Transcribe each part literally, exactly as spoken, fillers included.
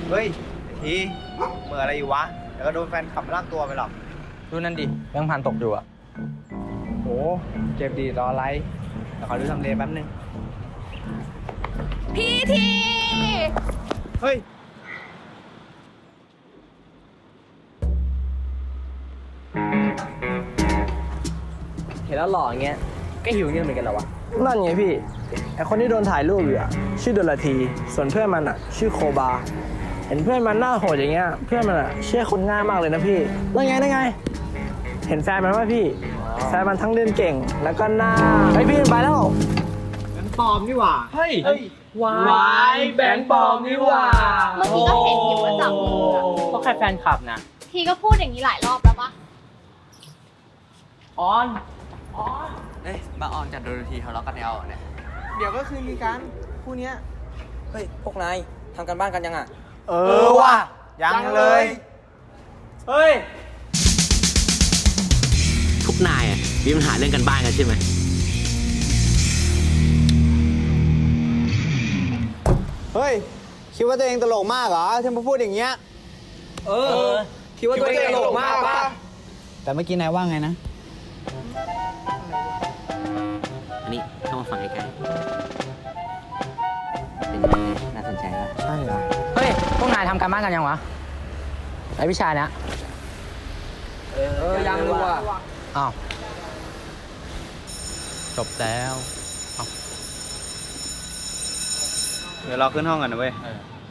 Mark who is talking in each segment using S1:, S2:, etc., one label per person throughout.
S1: เฮ้ยทีเมื่ออะไรอยู่วะเดี๋ยวก็โดนแฟนขับลากตัวไปหรอก
S2: ดูนั่นดิแบงค์พันตกอยู่อะ
S1: โหเจ็บดีรออะไรเดี๋ยวขอดูทำเลแป๊บนึง
S3: พี่ที
S1: เฮ้ย
S2: เห็นแล้วหล่ออย่างเงี้ยก็หิวเงินเหมือนกันเหรอวะ
S4: นั่นไงพี่ไอคนที่โดนถ่ายรูปอยู่อะชื่อดลทีส่วนเพื่อนมันอะชื่อโคบาเห็นเพื่อนมันหน้าโหดอย่างเงี้ยเพื่อนมันอะเชื่อคนง่ายมากเลยนะพี่นั่นไงนั่นไงเห็นแฟนมันว่าพี่แฟนมันทั้งเล่นเก่งแล้วก็หน้าไอพี่ไปแล้ว
S1: งั้นปลอมนี่หว่า
S2: เฮ้ย
S4: วายแบงค์ปลอมนี่ว่า
S3: เมื่อกี้ก็เห็นอยู่ว่าจับมืออะ
S2: ก็แค่แฟนคลับนะ
S3: ทีก็พูดอย่างนี้หลายรอบแล้วปะ
S2: ออน
S5: เฮ้ยมาออนจัดโดนทีทะเลาะกันในเอาเนี่ย
S1: เดี๋ยวก็คือมีการคู่เนี้ย
S2: เฮ้ยพวกนายทำกันบ้านกันยังอะ
S1: เออว่ะยังเลย
S2: เฮ้ย
S5: ทุกนายอ่ะมีปัญหาเรื่องกันบ้านกันใช่ไหม
S1: เฮ้ยคิดว่าตัวเองตลกมากเหรอที่มาพูดอย่างเงี้ย
S2: เออคิดว่าตัวเองตลกมากป่ะ
S1: แต่เมื่อกี้นายว่าไงนะ
S5: อันนี้เข้ามาฟังใกล้ๆเป็นไงน่าสนใจปะ
S1: ใช่เหรอ
S2: เฮ้ยพวกนายทำกันบ้านกันยังวะไอวิชาเนี้ยเออยังรู้อ่ะอ้าวจบแล้ว
S1: เดี๋ยวเราขึ้นห้องกันนะเว้ย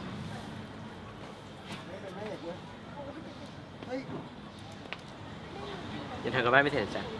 S5: ยังทำกันบ้านไม่เสร็จจ้ะ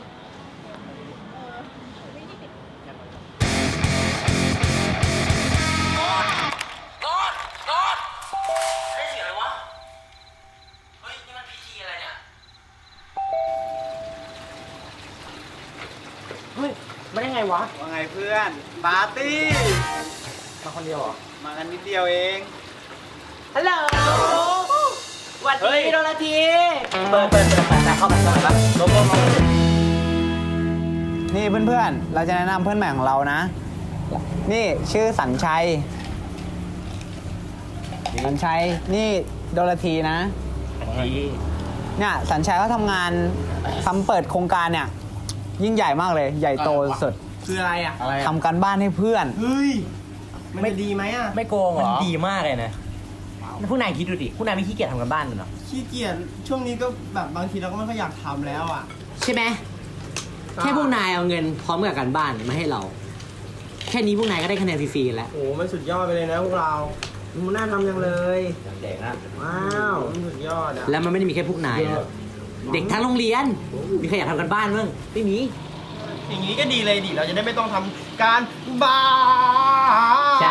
S2: เฮ้ยมาได้ไงวะ
S1: ว่าไงเพื่อนปาร์ตี้
S2: มาคนเดียวเหรอ
S1: มากันนิดเดียวเอง
S2: ฮัลโหลสวัสดีโดนาทีเปิดเปิดเปิดเปิดเข้ามาเข้ามาลงลงลง
S1: นี่เพื่อนๆเราจะแนะนำเพื่อนใหม่ของเรานะ นี่ชื่อสัญชัยสัญชัยนี่โดลทีนะเนี่ยสัญชัยเขาทำงานทำเปิดโครงการเนี่ยยิ่งใหญ่มากเลยใหญ่โตสุด
S4: คืออะไรอะ
S1: ทำการบ้านให้เพื่อน
S4: เฮ้ยมันจะดีไหมอะ
S2: ไม่โกงเหรอมันดีมากเลยนะผู้นายคิดดูดิผู้นายไม่ขี้เกียจทำกันบ้านเหรอ
S4: ขี้เกียจช่วงนี้ก็แบบบางทีเราก็ไม่ค่อยอยากทำแล้วอะ
S5: ใช่ไหมแค่พวกนายเอาเงินพร้อมกับการบ้านมาให้เรา แค่นี้พวกนายก็ได้คะแนนฟรีๆแล้ว
S4: โอ้มันสุดยอดไปเลยนะพวกเรามันน่าทำจังเลยเด็กอะว้าวมันสุดยอดอะ
S5: แล้วมันไม่ได้มีแค่พวกนายนะเด็กทั้งโรงเรียน มีใครอยากทำกันบ้านบ้างไม่มี
S4: อย่างนี้ก็ดีเลยดิเราจะได้ไม่ต้องทำการบ้าน
S5: ใช่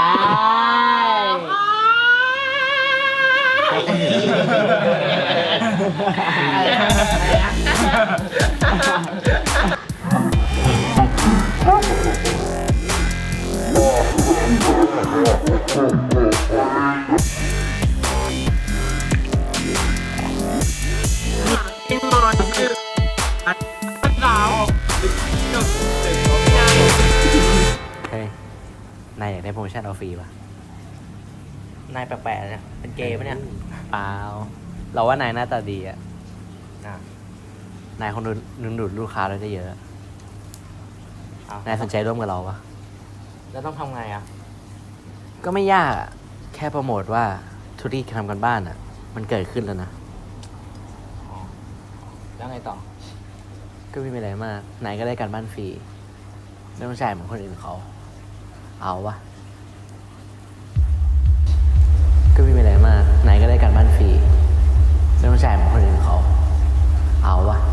S5: เฮ้ย นายอยากได้โปรโมชั่นเอาฟรีป่ะ
S2: นายแปลกๆเนี่ยเป็นเกย์ปะเนี่ย
S5: เปล่า เราว่านายหน้าตาดีอะนายคงดูดึงดูดลูกค้าได้เยอะ นายสนใจร่วมกับเราปะ
S2: แล้วต้องทำไงอ่ะ
S5: ก็ไม่ยากอะแค่โปรโมทว่าธุรกิจทำกันบ้านอะมันเกิดขึ้นแล้วนะ
S2: แล้วไงต่อ
S5: ก็ไม่มีอะไรมาก นายก็ได้การบ้านฟรี ไม่ต้องจ่ายเหมือนคนอื่นเขา เอาวะก็ไม่มีอะไรมาก นายก็ได้การบ้านฟรี ไม่ต้องจ่ายเหมือนคนอื่นเขา เอาวะ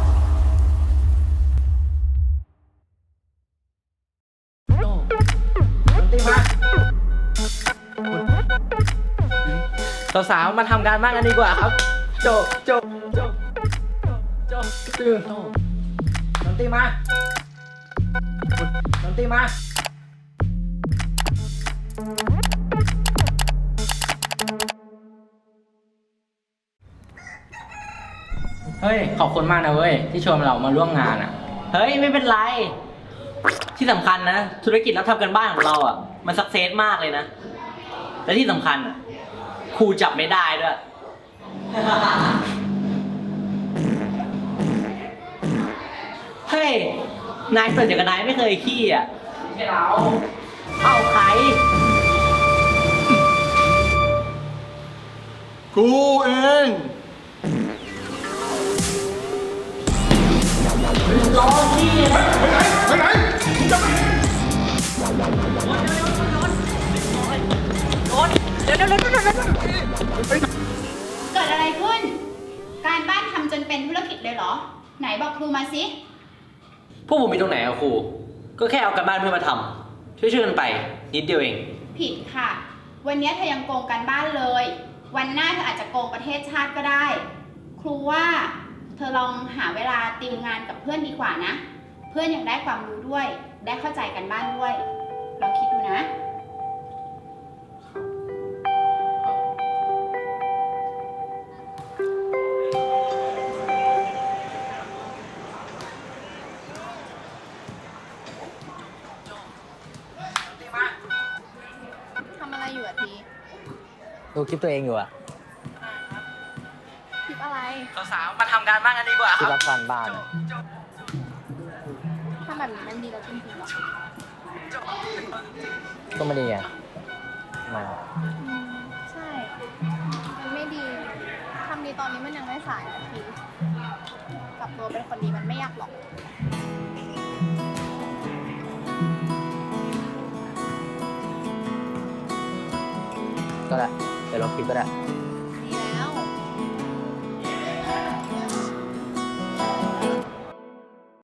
S2: สาวๆมาทำการบ้านกันดีกว่าครับโจโจโจโจตื่นดนตรีมาดนตรีมาเฮ้ยขอบคุณมากนะเว้ยที่ชวนเรามาร่วมงานอ่ะเฮ้ยไม่เป็นไรที่สำคัญนะธุรกิจรับทำกันบ้านของเราอ่ะมันสักเซสมากเลยนะและที่สำคัญอ่ะครูจับไม่ได้ด้วย เฮ้ย นายส่วนจากนายไม่เคยขี้อ่ะไม่เราเอ้าใคร
S6: กูเอง
S2: รอขี้นะ
S6: ไปไหนมึงจะไป
S7: เกิดอะไรขึ้น การบ้านทำจนเป็นธุรกิจเลยเหรอ ไหนบอกครูมาสิ
S2: พวกผมมีตรงไหนอะครู ก็แค่เอากันบ้านเพื่อนมาทำช่วยๆกันไป นิดเดียวเอง
S7: ผิดค่ะ วันนี้เธอยังโกงการบ้านเลย วันหน้าเธออาจจะโกงประเทศชาติก็ได้ ครูว่าเธอลองหาเวลาติวงานกับเพื่อนดีกว่านะ เพื่อนยังได้ความรู้ด้วย ได้เข้าใจกันบ้านด้วย ลองคิดดูนะ
S3: ทำอะไรอยู่อะที
S1: ดูคลิปตัวเองอยู่อะ
S3: คลิปอะไร
S2: สาวๆมาทำการบ้านกันดีกว่า
S1: ที่รับการบ้านอะ
S3: ทำแบบนี้มันดีแล้วจริงๆเหรอ
S1: ก็ไม่ดีไงมา
S3: อืมใช่ มันไม่ดี ทำดีตอนนี้มันยังไม่สายอะทีกลับตัวเป็นคนดีมันไม่ยากหรอก
S1: ก็ได้เดี๋ยวลบคลิปก็ได้